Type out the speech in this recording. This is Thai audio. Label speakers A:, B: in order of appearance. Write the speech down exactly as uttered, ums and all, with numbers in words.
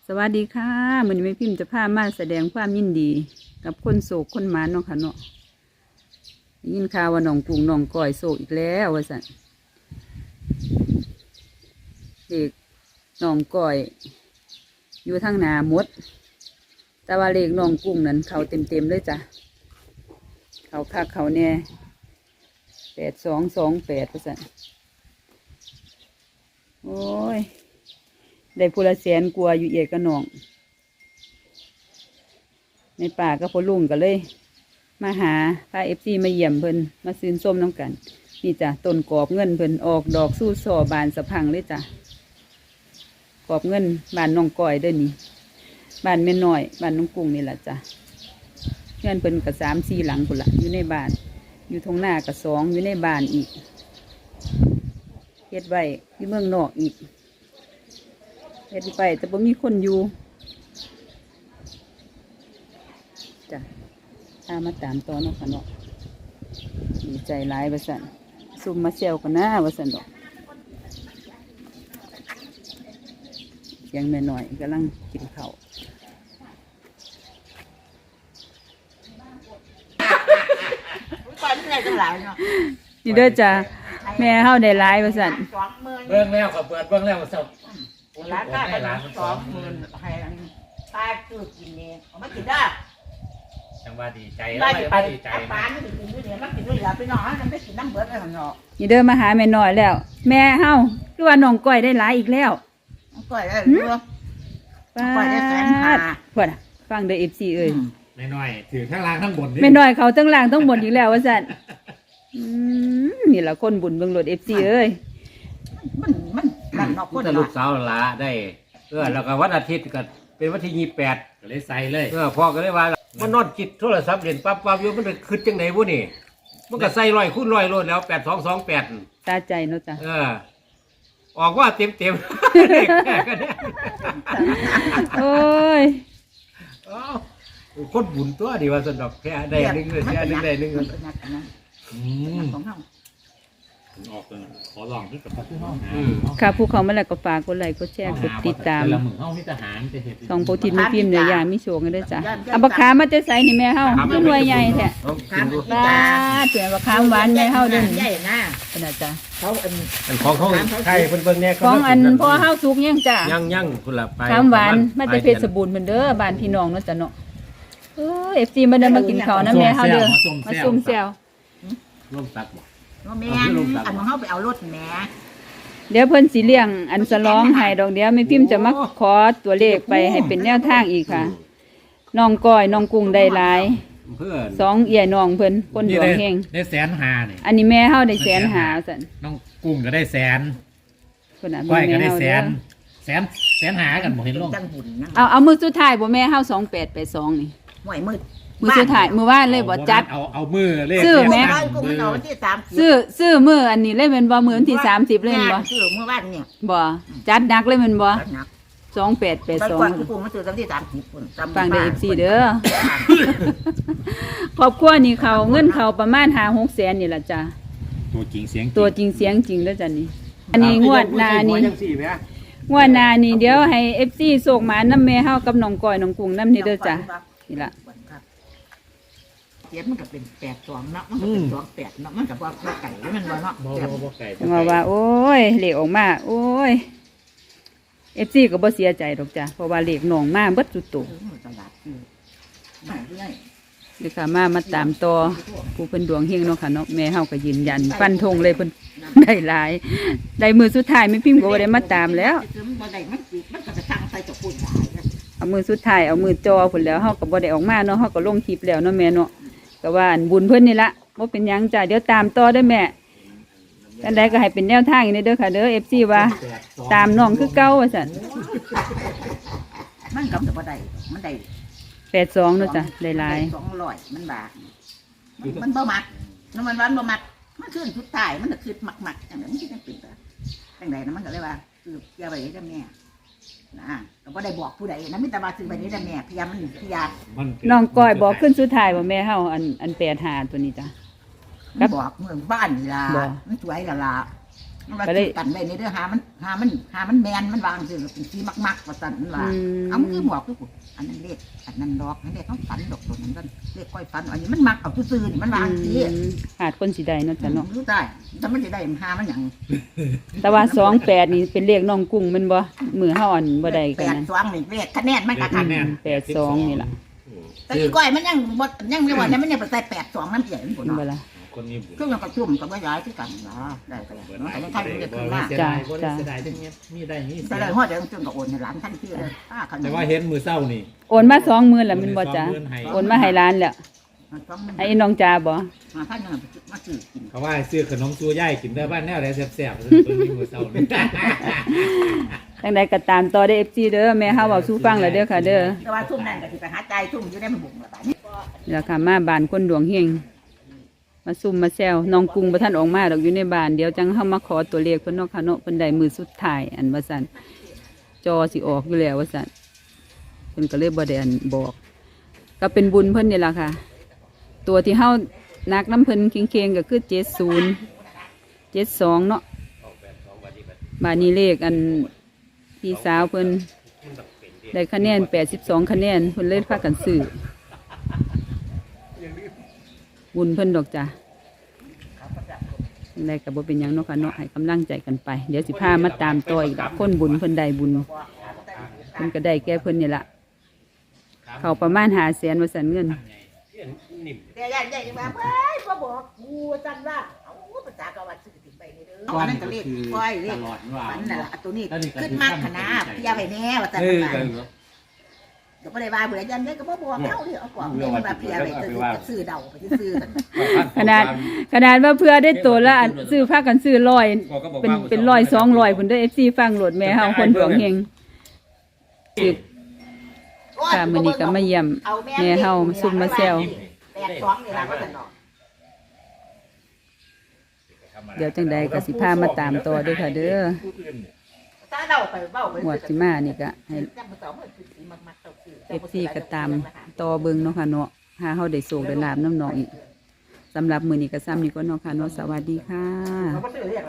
A: สวัสดีค่ะมื้อนี้แม่พิมพ์จะพามาแสดงความยินดีกับคนโศกคนหมานเนาะค่ะเนาะยินข่าวว่าน้องกุ้งน้องก้อยโศกอีกแล้วว่าซั่นเด็กน้องก้อยอยู่ทางหน้าหมดแต่ว่าเลขน้องกุ้งนั้นเขาเต็มๆเลยจ้ะเขาคักเขาแน่แปดสองสองแปดว่าซั่นโอ้ยได้พูละแสนกลัวอยู่เอียดกับน้องในป่าก็พอลุงกันเลยมาหาพาเอฟซีมาเยี่ยมเพิ่นมาซื้อส้มน้ำกันนี่จ้ะต้นกอบเงินเพิ่นออกดอกสู้ซอบานสะพังเลยจ้ะกอบเงินบานน้องก้อยเด้อนี่บานแม่น้อยบานน้องกุ้งนี่แหละจ้ะเงินเพิ่นกับสามสี่หลังพุ่นละอยู่ในบ้านอยู่ทงหน้ากับสองอยู่ในบ้านอีกเฮ็ดไว้ที่เมืองนอกอีกเฮ็ดไปแต่บ่มีคนอยู่จ้ะถ้ามาตามตอนเนาะค่ะเนาะดีใจหลายว่าซั่นซุ่มมาเซลกันนะว่าซั่นดอกยังแม่น้อยกำลังกินข้าวนี่เด้อจ้ะแม่เฮาได้หลายว่าซั่น
B: เบื้องแล้วกับเปิดเบื้องแล้วกับเจ้า
C: ร้านได้ร้านสองหมื่นให้ตาคือกินเนี่ยเอามากินได้
B: จังว่าดีใจ
C: ได้
B: แล้ว
C: ไป
B: ดีใจ
C: ปานไม่กินด้วยเนี่ยมากินด้วยอย่าไปนอนนั่นไม่กินน้ำเบิดอะไรหรอก
A: นี่เด้อมาหาแม่น้อยแล้ว แม่เฮาคือว่าน้องก้อยได้หลายอีกแล้ว
C: ก้อยได้เรือก้อยได้แสนห้า
A: เพิ่นฟังเด้อ เอฟ ซี เอ้ย
B: ไม่น้อยถือทั้งล่างทั้งบน
A: แม่น้อยเขาทั้งล่างทั้งบนอีกแล้วว่าซั่นอืมนี่ล่ะคนบุญเบิ่งรถ เอฟ ซี เอ้ย
C: มันมันมันนอกคน
B: แต่ลูกสาวละได้เออแล้วก็วันอาทิตย์ก็เป็นวันที่ยี่สิบแปดก็เลยใส่เลยเออพ่อก็เลยว่ามันนอนจิตโทรศัพท์เรียนปั๊บปั๊บอยู่มันคืดจังไหนวะนี่มันก็ใส่ร้อยคูณร้อยโลดแล้วแปดสองสองแปด
A: ตาใจเนาะจ้ะ
B: เออออกว่าเต็มเต็ม
A: โอ้ย
B: คนบุญตัวดีว่าสนุกแค่ได้หนึ่งเลยแค่หนึ่งได้หนึ่งเลย
C: ของเขา
B: ออกเลยขอลองที่กับพักที่ห้อง
A: ค่ะผู้เขามาแล้วก็ฝากกดไลค์กดแชร์กดติดตามสองโปรตีนมีพิมพ์เนื้อย่างมีโชว์กันด้วยจ้ะเอาบักขามมาจะใส่นี่แม่เฮาเป็นหน่วยใหญ่แท้บ้าเสียบักขามหวานแม่เฮาเด้อ
C: ใหญ่นะ
A: ขนาดจ้ะ
C: เขาอัน
B: ของเขาไข่เพิ่นๆเนี่ย
A: ของอันพ่อเฮาสุกยังจ้ะ
B: ยังยังคุณละไป
A: ขามหวานมาแต่เพชรบูรณ์เพิ่นเด้อบ้านพี่น้องเนาะจ้ะเนาะเออ เอฟ ซี มาเด้อมากินข้าวนะแม่เฮาเด้อมาซุ่มแซว
B: ร่วมตักบ่
C: ว่าแม่อันของเขาไปเอารถแม่
A: เดี๋ยวเพิ่นสิเลี้ยงอันสลองให้ดอกเดียวแม่พิมพ์จะมาขอตัวเลขไปให้เป็นแนวทางอีกค่ะน้องก้อยน้องกุ้งได้หลายสองเอี่ยน้องเพิ่นคนดวงเฮง
B: ได้แสนห้านี่
A: อันนี้แม่เฮาได้แสนห้าซั่น
B: น้องกุ้งก็ได้แสน
A: เพิ่นน่ะ
B: ก้อยก็ได้แสนแสนแสนห้ากันบ่เห็นลง
A: เอาเอามือสุดท้ายบ่แม่เฮาสองแปดแปดสองนี่
C: ห่วยมืด
A: มือสุดท้ายมือว่านเลยบ่จัด
B: เอาเอามือเลข
A: ซื้อแม่ซื้อซื้อมืออันนี้เลยแม่นบ่มื้อวันที่สามสิบเลยแม่นบ่
C: ซื้อมื้อวานเนี่ย
A: บ่จัดหนักเลยแม่นบ่สองแปดแปดสอง
C: กูกูมาซื้อตั้งที่สามสิบพุ่น
A: ฟังได้ เอฟ ซี เด้อครอบครัวนี่เขาเงินเขาประมาณห้า หกแสนนี่ล่ะจ้ะ
B: ตัวจริงเสียง
A: ตัวจริงเสียงจริงเด้อจ้ะนี่อันนี้งวดหน้านี่งวดหน้านี่เดี๋ยวให้ เอฟ ซี ส่งมานำแม่เฮากับน้องก้อยน้องกุ้งนำนี่เด้อจ้ะนี่ล่ะ
C: เจ็ดมันก็เป็นแปดสองเนาะมันก็เป็นสองแปดเนาะมันก็บ่บ่ไก่มันบ่เนาะ
A: ว่าว่าโอ้ยเลขออกมาโอ้ย เอฟ ซี ก็บ่เสียใจดอกจ้ะเพราะว่าเลขน้องมาเบิดสุดโต่งเดี๋ยวค่ะมามาตามต่อผู้เพิ่นดวงเฮงเนาะค่ะเนาะแม่เฮาก็ยืนยันฟันธงเลยเพิ่นได้หลายได้มือสุดท้ายแม่พิมพ์ก็บ่ได้มาตามแล้วเอามือสุดท้ายเอามือจอพุ่นแล้วเฮาก็บ่ได้ออกมาเนาะเฮาก็ลงคลิปแล้วเนาะแม่เนาะก็ว่าอันบุญเพิ่นนี่ละบ่เป็นหยังจ้ะเดี๋ยวตามต่อเด้อแม่อันใดก็ให้เป็นแนวทางนี่เด้อค่ะเด้อ เอฟ ซี ว่าตามน้องคือเก่าว่าซั่น
C: มันก็บ่ได้มันได้
A: แปดสองเนาะจ้ะได้หลาย
C: สองร้อยมันบาทมันบ่มักน้ำมันหวานบ่มักมันขึ้นสุดท้ายมันก็ขึ้นมักๆจังได๋มันสิเป็นแบบจังได๋นะมันก็เลยว่าคืออย่าไปเด้อแม่นะก็บ่ได้บอกผู้ใดนะมีแต่ว่าซื้อไปนี้แต่แม่พยายามมันพยายาม
A: น้องก้อยบอกขึ้นสุดท้ายบ่แม่เฮาอันอันแปดห้าตัวนี้จ้ะ
C: บอกเมืองบ้านล่ะมันสวยล่ะล่ะมันว่า
A: ก็เลย
C: กันไว้ในเด้อหามันหามันหามันแมนมันวางซื่อเป็นสีมักๆว่าซั่นมันว่า
A: อืม
C: เอามันคือหมวกคือกูอันนั้นเลขอันนั้นดอกอันนี้เลขเขาฝันดอกตัวนั้นก็เลขก้อยฝันอันนี้มันมักเอาซื่อๆนี่มันวางสิ
A: อืมขาดคนสิได้เนาะจ้ะเนาะ
C: รู้ได้แต่มันจะได้หามันหยัง
A: แต่ว่าสองแปดนี่เป็นเลขน้องกุ้งแมันบ่มือเฮาอ่อนบ่ได้
C: แป
A: กัน
C: ด
A: นั้น
C: สองนี่เลขคะแนนมันก็คัน
A: แปดสองนี่ล่ะ
C: แต่อีก้อยมันยังบ่ยังไม่ว่าเนี่ยมันยังไปใส่แปดสองน้ำใหญ่มันบ่
A: เห็นบ่
C: เนาะ
A: ล่ะ
B: คนมีบุญ
C: เครื่องกระชุ่มกับว่าย้ายที่กันนะได้ก็ได้เนาะแต่มันทันจะขึ้นมา
D: เสียดายบ่ได้เสียดายจังเงี้ยมีได้มี
C: แต่ได้ฮอดเดี๋ยวจึงก็โอนให้หลานทันทีเลยป้าคัน
D: แต่ว่าเห็นมือเศร้านี่
A: โอนมาสองหมื่นแล้วแมันบ่จ้ะ
D: สองหมื่นให้
A: โอนมาให้ร้านแล้วให้น้องจาบ่
C: มาพันยังมาซื้อกิน
D: เขาว่าซื้อขนมซัวย่ายกินได้บ้านแนวไหนแซ่บๆเพิ่นมีมือเศร้านี่
A: จังใดก็ตามต่อได้ เอฟ ซี เด้อแม่เฮาเว้าสู่ฟังแล้วเด้อค่ะเด้อ
C: แต่ว่าทุ่มนั่นก็สิไปหาใจทุ่มอยู่ได้มันบุ๋งละบาดนี้
A: นี่ล่ะค่ะมาบ้านคนดวงเฮงมาซุ่มมาแซวน้องกุ้งบ่ทันออกมาดอกอยู่ในบ้านเดี๋ยวจังเฮามาขอตัวเลขเพิ่นเนาะค่ะเนาะเพิ่นได้มือสุดท้ายอันว่าซั่นจอสิออกอยู่แล้วว่าซั่นเพิ่นก็เลยบ่ได้อันบอก ก็เป็นบุญเพิ่นนี่ล่ะค่ะ ตัวที่เฮานักน้ำเพิ่นเคียงๆก็คือเจ็ดศูนย์ เจ็ดสองเนาะบาดนี้เลขอันพี่สาวเพิ่นได้คะแนนแปดสิบสองคะแนนเพิ่นเลยพากันซื้อบุญเพิ่นดอกจ้ะได้กับบ่เป็นหยังเนาะค่ะเนาะให้กำลังใจกันไป เดี๋ยวสิพามาตามต่ออีกดอกคนบุญเพิ่นได้บุญเพิ่นก็ได้แก่เพิ่นนี่ล่ะเขาประมาณห้าแสนว่าซั่นเงิน
C: แต่ยายใหญ่มาเฮ้ยบ่บอกกูจังว่าเอาภาษากะว่าซื้อติดไปนี่เด้ออันนั้นก็เลขก้อยเลขฝันน่ะล่ะตัวนี้ขึ้นมากขนาดเพียไปแน่ว่าซั่นว่าก็บ่ได้ว่าเบื่อยันได้ก็บ่บอกเฮาดิเอากว่าเพิ่นว่าเพียไปซื้อเดาไปซื้อกัน
A: ขนาดขนาดว่าเพื่อได้ตัวละอันซื้อพากันซื้อร้อยเป็นเป็นร้อยสองร้อยพุ่นเด้อ เอฟ ซี ฟังโหลดแม่เฮาคนดวงเฮงสิบค่ะมื้อนี้ก็มาเยี่ยมแม่เฮามาซุ่มมาแซว
C: แปดสองนี่ล่ะว่าซั่นเนาะ
A: เดี๋ยวจังใดก็สิพามาตามต่อเด้วยค่ะเด้อ
C: ถ้าเดาไปเว้าไป
A: หวดสิมานี่ก็ให้
C: จังบ่ต้องมันคือสีมักๆเจ้าซื้อ
A: เอฟซีก็ตามต่อเบิ่งเนาะค่ะเนาะหาเฮาได้โชคได้ลาบน้ำน้องอีกสำหรับมื้อนี้ก็ซ้ำนี้ก็เนาะค่ะเนาะสวัสดีค่ะ